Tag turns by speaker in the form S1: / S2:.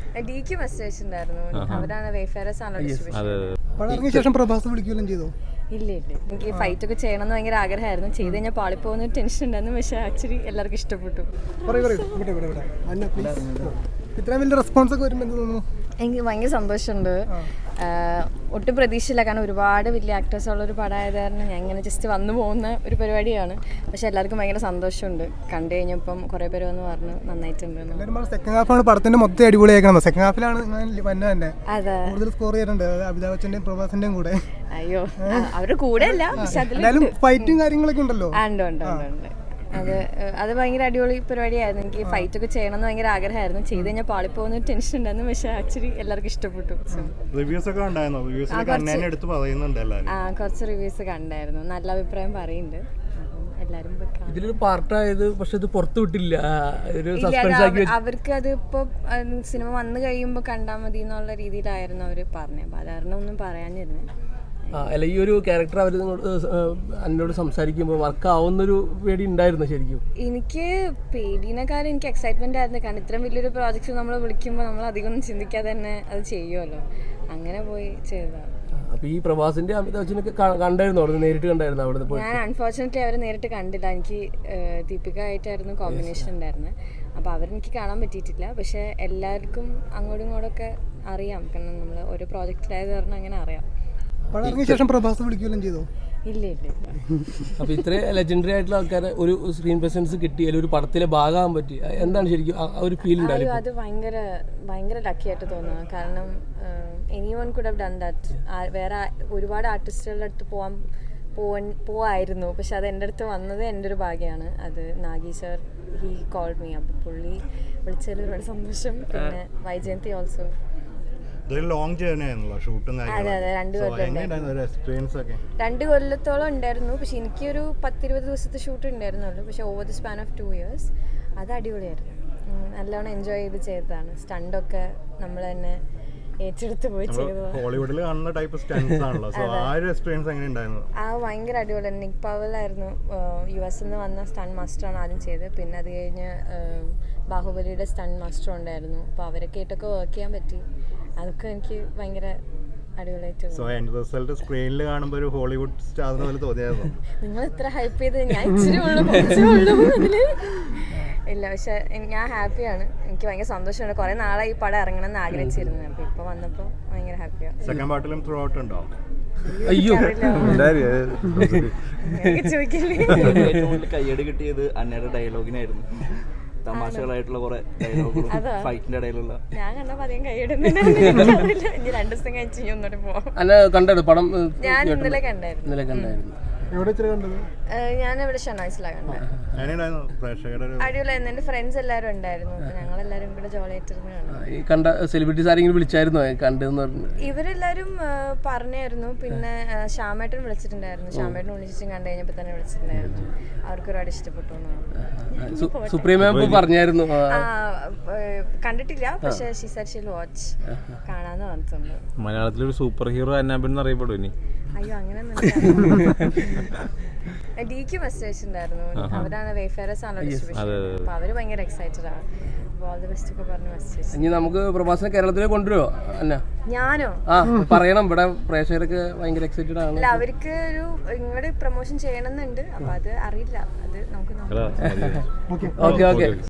S1: ഡിക്ക് മെസ്സേജ് ഉണ്ടായിരുന്നു. അവരാണ് വെയ്ഫെയർസ് ആണല്ലോ ഡിസ്ട്രിബ്യൂഷൻ.
S2: ശേഷം പ്രഭാസ് വിളിക്കുകയും ചെയ്തോ?
S1: ഇല്ല എനിക്ക് ഫൈറ്റ് ഒക്കെ ചെയ്യണം എന്ന് ഭയങ്കര ആഗ്രഹമായിരുന്നു. ചെയ്ത് കഴിഞ്ഞാൽ പാളിപ്പോകുന്ന ഒരു ടെൻഷൻ ഉണ്ടായിരുന്നു. പക്ഷെ ആക്ച്വലി എല്ലാവർക്കും ഇഷ്ടപ്പെട്ടു.
S2: ഇത്രയും വലിയ റെസ്പോൺസ് ഒക്കെ വരുമ്പോൾ എന്ത് തോന്നുന്നു?
S1: എനിക്ക് ഭയങ്കര സന്തോഷമുണ്ട്. ഒട്ടും പ്രതീക്ഷയില്ല, കാരണം ഒരുപാട് വലിയ ആക്ടേഴ്സ് ഉള്ളൊരു പടമായത് കാരണം ഞാൻ ഇങ്ങനെ ജസ്റ്റ് വന്നു പോകുന്ന ഒരു പരിപാടിയാണ്. പക്ഷെ എല്ലാവർക്കും ഭയങ്കര സന്തോഷമുണ്ട്. കണ്ടു കഴിഞ്ഞപ്പം കുറേ പേര് വന്ന് പറഞ്ഞു നന്നായിട്ടുണ്ട്.
S2: സെക്കൻഡ് ഹാഫാണ് പടത്തിന്റെ മൊത്തം അടിപൊളിയാക്കണം. സെക്കൻഡ് ഹാഫിലാണ് തന്നെ കൂടുതൽ സ്കോർ ചെയ്തിട്ടുണ്ട് അമിതാഭ് ബച്ചന്റെയും പ്രഭാസിന്റെയും കൂടെ.
S1: അയ്യോ, അവരുടെ കൂടെ അല്ല, പക്ഷെ
S2: അതിലും ഫൈറ്റും കാര്യങ്ങളൊക്കെ ഉണ്ടല്ലോ.
S1: ഉണ്ട്. അത് ഭയങ്കര അടിപൊളി പരിപാടിയായിരുന്നു. എനിക്ക് ഫൈറ്റ് ഒക്കെ ചെയ്യണം എന്ന് ഭയങ്കര ആഗ്രഹമായിരുന്നു. ചെയ്ത് കഴിഞ്ഞാൽ പാളിപ്പോകുന്ന ഒരു ടെൻഷൻ ഉണ്ടായിരുന്നു. പക്ഷെ ആക്ച്വലി എല്ലാവർക്കും ഇഷ്ടപ്പെട്ടു. കുറച്ച് റിവ്യൂസ് കണ്ടായിരുന്നു. നല്ല അഭിപ്രായം പറയുന്നുണ്ട്.
S3: ഇതിലൊരു പാർട്ടായത് പക്ഷെ ഇത് പുറത്തു വിട്ടില്ല.
S1: അവർക്ക് അത് ഇപ്പൊ സിനിമ വന്നു കഴിയുമ്പോ കണ്ടാൽ മതി എന്നുള്ള രീതിയിലായിരുന്നു അവര് പറഞ്ഞത്. അപ്പൊ അതാരണം ഒന്നും പറയാനിരുന്നു.
S3: അല്ല, ഈ ഒരു ക്യാരക്ടർ അവർ എന്നോട് സംസാരിക്കുമ്പോൾ വർക്ക് ആവുന്നൊരു പേടി ഉണ്ടായിരുന്നു ശരിക്കും?
S1: എനിക്ക് പേടിനെക്കാളും എനിക്ക് എക്സൈറ്റ്മെന്റ് ആയിരുന്നു. കാരണം ഇത്രയും വലിയൊരു പ്രോജക്റ്റ് നമ്മൾ വിളിക്കുമ്പോൾ നമ്മൾ അധികം ഒന്നും ചിന്തിക്കാതെ തന്നെ അത് ചെയ്യുമല്ലോ. അങ്ങനെ പോയി ചെയ്തതാണ്.
S3: അപ്പൊ ഈ പ്രഭാസിന്റെ അമിതാഭ് ബച്ചനൊക്കെ കണ്ടായിരുന്നു അവിടെ, നേരിട്ട് കണ്ടായിരുന്നു അവിടെ പോയി?
S1: ഞാൻ അൺഫോർച്ചുനേറ്റ്ലി അവരെ നേരിട്ട് കണ്ടില്ല. എനിക്ക് ദീപിക ആയിട്ടായിരുന്നു കോമ്പിനേഷൻ ഉണ്ടായിരുന്നത്. അപ്പോൾ അവരെനിക്ക് കാണാൻ പറ്റിയിട്ടില്ല. പക്ഷെ എല്ലാവർക്കും അങ്ങോട്ടും ഇങ്ങോട്ടൊക്കെ അറിയാം. കാരണം നമ്മൾ ഒരു പ്രോജക്റ്റിലായത് കാരണം അങ്ങനെ അറിയാം.
S2: ശേഷം പ്രഭാസ് വിളിക്കുകയും ചെയ്തോ?
S1: ഇല്ല.
S3: അപ്പൊ ഇത്ര ലെജൻഡറി ആയിട്ടുള്ള ആൾക്കാരെ ഒരു സ്ക്രീൻ പ്രസൻസ് കിട്ടി, അല്ലെങ്കിൽ ഒരു പടത്തിലെ ഭാഗമാകാൻ പറ്റി, എന്താണ് ശരിക്കും ഒരു ഫീൽ ഉണ്ടായിരുന്നു?
S1: അത് ഭയങ്കര ലക്കി ആയിട്ട് തോന്നുന്നു. കാരണം anyone could have done that. വേറെ ഒരുപാട് ആർട്ടിസ്റ്റുകളുടെ അടുത്ത് പോവായിരുന്നു. പക്ഷെ അത് എൻ്റെ അടുത്ത് വന്നത് എൻ്റെ ഒരു ഭാഗ്യമാണ്. അത് Nagi sir he called me. അപ്പോൾ പുള്ളി വിളിച്ചതിൽ ഒരുപാട് സന്തോഷം. പിന്നെ വൈജയന്തി ഓൾസോ.
S4: ലോങ് ജേർണി ആയിരുന്നല്ലോ ഷൂട്ടും.
S1: അതെ 2 കൊല്ലത്തോളം ഉണ്ടായിരുന്നു. പക്ഷെ എനിക്കൊരു 10-20 ദിവസത്തെ ഷൂട്ട് ഉണ്ടായിരുന്നുള്ളൂ. പക്ഷെ over the span of 2 years അത് അടിപൊളിയായിരുന്നു. നല്ലോണം എൻജോയ് ചെയ്ത് ചെയ്തതാണ്. സ്റ്റണ്ടൊക്കെ നമ്മൾ തന്നെ ഏറ്റെടുത്ത് പോയി ചെയ്തതാണ്.
S4: ഹോളിവുഡിൽ കാണുന്ന ടൈപ്പ് സ്റ്റണ്ട്സ് ആണല്ലോ. സോ ആ ഒരു എക്സ്പീരിയൻസ് എങ്ങനെ ഉണ്ടായിരുന്നു?
S1: ഭയങ്കര അടിപൊളിയായിരുന്നു. നിക് പവലായിരുന്നു US നിന്ന് വന്ന സ്റ്റണ്ട് മാസ്റ്ററാണ് ആദ്യം ചെയ്തത്. പിന്നെ അത് കഴിഞ്ഞ് ബാഹുബലിയുടെ സ്റ്റണ്ട് മാസ്റ്റർ ഉണ്ടായിരുന്നു. അപ്പോൾ അവരൊക്കെ ആയിട്ടൊക്കെ വർക്ക് ചെയ്യാൻ പറ്റി. അതൊക്കെ എനിക്ക് ഭയങ്കര അടിപൊളിയായിട്ട്
S4: സ്ക്രീനിൽ കാണുമ്പോൾ ഒരു ഹോളിവുഡ് സ്റ്റാർ പോലെ തോന്നിയായിരുന്നു.
S1: നിങ്ങൾ ഇത്ര ഹൈപ്പ് ചെയ്ത് ഞാൻ ഇച്ചിരി ഉള്ളൂ അതില് ഇല്ല. പക്ഷെ ഞാൻ ഹാപ്പിയാണ്. എനിക്ക് ഭയങ്കര സന്തോഷമാണ്. കുറെ നാളായി ഈ പടം ഇറങ്ങണം എന്ന് ആഗ്രഹിച്ചിരുന്നു. അപ്പൊ ഇപ്പൊ വന്നപ്പോ ഭയങ്കര ഹാപ്പിയാണ്.
S4: സെക്കൻഡ് പാർട്ടിലും ത്രൂ ഔട്ട് ഉണ്ടോ?
S3: അയ്യോ,
S5: കയ്യടി കിട്ടിയത് അന്നയുടെ ഡയലോഗിനായിരുന്നു. തമാശകളായിട്ടുള്ള കുറെ ഡയലോഗുകളും ഫൈറ്റിന്റെ ഇടയിലുള്ള.
S1: ഞാൻ കണ്ടപ്പോ അധികം കൈയിടുന്നില്ല. 2 ദിവസം കഴിച്ച് ഒന്നോട്ട് പോവാം.
S3: പടം
S1: ഞാൻ ഇന്നലെ കണ്ടായിരുന്നു. ഞാൻ ഇവിടെ ഷനായ്സിലാണ് കണ്ടത്. അടിപൊളിയായിരുന്നു. എന്റെ ഫ്രണ്ട്സ് എല്ലാവരും ഉണ്ടായിരുന്നു. അപ്പൊ ഞങ്ങളെല്ലാരും കൂടെ ജോളിയായിട്ടിരുന്ന് കാണാം.
S3: കണ്ട സെലിബ്രിറ്റീസ് ആരെങ്കിലും വിളിച്ചായിരുന്നോ കണ്ടെന്ന്?
S1: ഇവരെല്ലാരും പറഞ്ഞായിരുന്നു. പിന്നെ ശ്യാമേട്ടൻ വിളിച്ചിട്ടുണ്ടായിരുന്നു. ശ്യാമേട്ടൻ ഉണ്ണിച്ചും കണ്ടു കഴിഞ്ഞപ്പോ തന്നെ വിളിച്ചിട്ടുണ്ടായിരുന്നു. അവർക്ക് ഒരുപാട് ഇഷ്ടപ്പെട്ടു.
S3: സുപ്രീം പറഞ്ഞായിരുന്നു.
S1: കണ്ടിട്ടില്ല, പക്ഷെ she said she will watch. കാണാന്ന് പറഞ്ഞിട്ടുണ്ട്.
S6: മലയാളത്തിലൊരു സൂപ്പർ ഹീറോ അന്നാബൻ അറിയപ്പെടും ഇനി?
S1: അയ്യോ, അങ്ങനെ ഡിക്ക് മെസ്സേജ് ഉണ്ടായിരുന്നു. അവരാണ് വെയ്ഫെയർസ് ആണല്ലോ ഡിസ്ട്രിബ്യൂഷൻ. അപ്പൊ അവര് ഭയങ്കര എക്സൈറ്റഡ് ആണ്. ഓൾ ദി ബെസ്റ്റ് ഒക്കെ പറഞ്ഞ് മെസ്സേജ്.
S3: ഇനി നമുക്ക് പ്രഭാസിനെ കേരളത്തിലേക്ക് കൊണ്ടുവരുമോ? അന്ന
S1: ഞാനോ?
S3: പറയണം, ഇവിടെ പ്രേക്ഷകരൊക്കെ ഭയങ്കര എക്സൈറ്റഡ് ആണ്.
S1: അല്ല, അവർക്ക് ഒരു ഇങ്ങോട്ട് പ്രൊമോഷൻ ചെയ്യണമെന്നുണ്ട്. അപ്പൊ അത് അറിയില്ല. അത് നമുക്ക് നോക്കാം.
S3: ഓക്കെ.